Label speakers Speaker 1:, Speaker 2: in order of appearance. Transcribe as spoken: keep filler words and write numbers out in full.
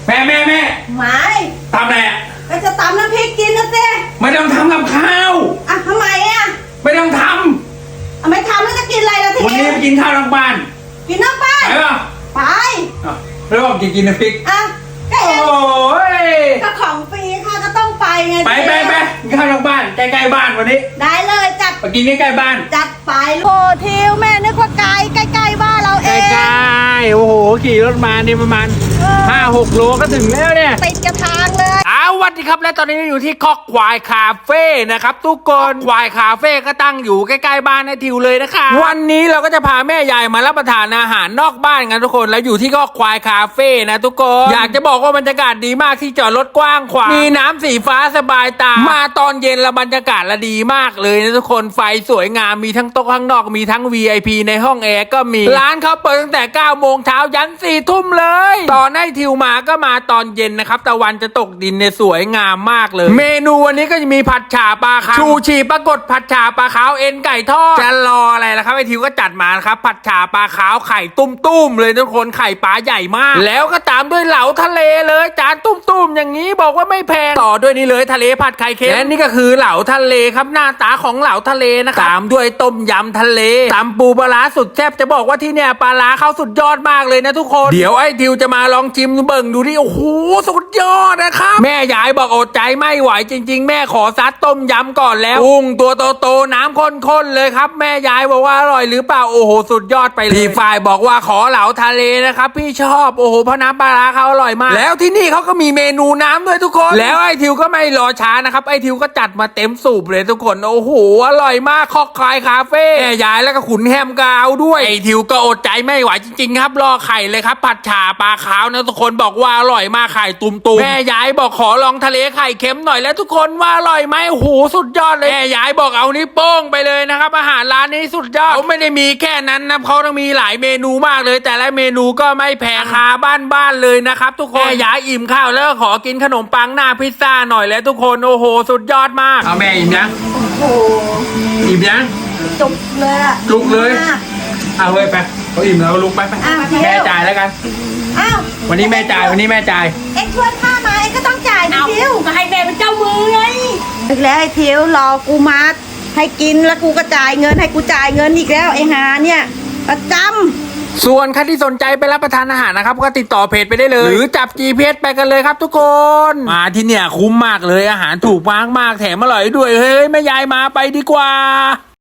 Speaker 1: แม่แม่แม่
Speaker 2: ไม่
Speaker 1: ทำอะไรอ่ะ
Speaker 2: ก็จะตำน้ำพริกกินนะเจ๊
Speaker 1: ไม่ต้องทำกับข้าว
Speaker 2: อ่ะทำไมอ่ะ
Speaker 1: ไม่ต้องท
Speaker 2: ำอ่ะไม่ทำแล้วจะกินอะไรล่ะที
Speaker 1: วันนี้ไปกินข้าวนอกบ้าน
Speaker 2: กินนอกบ้าน
Speaker 1: ไปป่ะ
Speaker 2: ไป
Speaker 1: อ่ะแล้วบอกกินกินน้ำพริก
Speaker 2: อ่ะก็เอง
Speaker 1: โอ้ย
Speaker 2: ก็ของฟรีค่ะก็ต้องไปไง
Speaker 1: ไปไปไปกินข้าวนอกบ้านใกล้ๆบ้านวันนี้
Speaker 2: ได้เลยจัด
Speaker 1: ไปกินใกล้ๆบ้าน
Speaker 2: จัดไปโอ้ทิวแม่นึกว่าไกลใกล้ๆบ้านเราเอง
Speaker 1: ใกล้ๆโอ้โหขี่รถมานี่ประมาณห้าหกโลก็ถึงแล้วเนี่ย
Speaker 2: ติดกระทางเลย
Speaker 1: อ้าวสวัสดีครับและตอนนี้อยู่ที่คอกควายคาเฟ่นะครับทุกคนควายคาเฟ่ก็ตั้งอยู่ใกล้ๆบ้านในทิวเลยนะคะวันนี้เราก็จะพาแม่ยายมารับประทานอาหารนอกบ้านกันทุกคนแล้วอยู่ที่คอกควายคาเฟ่นะทุกคนอยากจะบอกว่าบรรยากาศดีมากที่จอดรถกว้างขวางมีน้ำสีฟ้าสบายตามาตอนเย็นละบรรยากาศละดีมากเลยนะทุกคนไฟสวยงามมีทั้งโต๊ะข้างนอกมีทั้ง วี ไอ พี ในห้องแอร์ก็มีร้านเขาเปิดตั้งแต่เก้าโมงเช้ายันสี่ทุ่มเลยตอนให้ทิวมาก็มาตอนเย็นนะครับตะวันจะตกดินเนี่ยสวยงามมากเลยเมนูวันนี้ก็จะมีผัดฉ่าปลาขาวชูชีปรากฏผัดฉ่าปลาขาวเอ็นไก่ทอดจะรออะไรล่ะครับไอทิวก็จัดมาครับผัดฉ่าปลาขาวไข่ตุ้มๆเลยทุกคนไข่ปลาใหญ่มากแล้วก็ตามด้วยเหลาทะเลเลยจานตุ้มๆอย่างนี้บอกว่าไม่แพงต่อด้วยนี่เลยทะเลผัดไข่เค็มและนี่ก็คือเหลาทะเลครับหน้าตาของเหลาทะเลนะครับตามด้วยต้มยำทะเลตำปูปลาร้าสุดแซ่บจะบอกว่าที่เนี่ยปลาร้าเขาสุดยอดมากเลยนะทุกคนเดี๋ยวไอ้ทิวจะมาลองชิมเบิ่งดูดิโอ้โหสุดยอดนะครับแม่ยายบอกอดใจไม่ไหวจริงๆแม่ขอซัดต้มยำก่อนแล้วกุ้งตัวโตๆน้ำข้นๆเลยครับแม่ยายบอกว่าอร่อยหรือเปล่าโอ้โหสุดยอดไปเลยพี่ฝ่ายบอกว่าขอเหลาทะเลนะครับพี่ชอบโอ้โหเพราะน้ำปลาร้าเขาอร่อยมากแล้วที่นี่เขาก็มีเมนูน้ำด้วยทุกคนแล้วไอ้ทิวก็ไม่รอช้านะครับไอ้ทิวก็จัดมาเต็มสูบเลยทุกคนโอ้โหอร่อยมากคอกควายคาเฟ่แม่ยายแล้วก็ขุนแฮมกาวด้วยไอ้ทิวก็อดใจไม่ไหวจริงๆครับรอไข่เลยครับผัดฉ่าปลาขาวนะทุกคนบอกว่าอร่อยมากไข่ตุ่มๆแม่ยายบอกขอลองทะเลไข่เค็มหน่อยแล้วทุกคนว่าอร่อยไหมโอ้โหสุดยอดเลยแม่ยายบอกเอานิ้วโป้งไปเลยนะครับอาหารร้านนี้สุดยอดเขาไม่ได้มีแค่นั้นนะเขาต้องมีหลายเมนูมากเลยแต่ละเมนูก็ไม่แพงราคาบ้านๆเลยนะครับทุกคนแม่ยายอิ่มข้าวแล้วก็ขอกินขนมปังหน้าพิซซ่าหน่อยแล้วทุกคนโอ้โหสุดยอดมากเอาแม่อิ่มยัง
Speaker 2: โอ้โห
Speaker 1: อิ่มยัง
Speaker 2: จุกเลยอะ
Speaker 1: จุกเลยเอาเว้ยไปเขาอิ่มแล้วลุกไปไปแม่จ่ายแล้วกัน
Speaker 2: อ้าว
Speaker 1: วันนี้แม่จ่ายวันนี้แม่จ่าย
Speaker 2: เอ็งชวนข้ามาเอ็งก็ต้องจ่ายนะทิว
Speaker 3: ก็ให้แม่เป็นเจ้ามือไง
Speaker 2: อีกแล้วไอ้ทิวรอกูมาให้กินแล้วกูก็จ่ายเงินให้กูจ่ายเงินอีกแล้วไอ้หาเนี่ยประจำ
Speaker 1: ส่วนใครที่สนใจไปรับประทานอาหารนะครับก็ติดต่อเพจไปได้เลยหรือจับ จี พี เอส ไปกันเลยครับทุกคนมาที่เนี่ยคุ้มมากเลยอาหารถูกมากมากแถมอร่อยด้วยเฮ้ยแม่ยายมาไปดีกว่า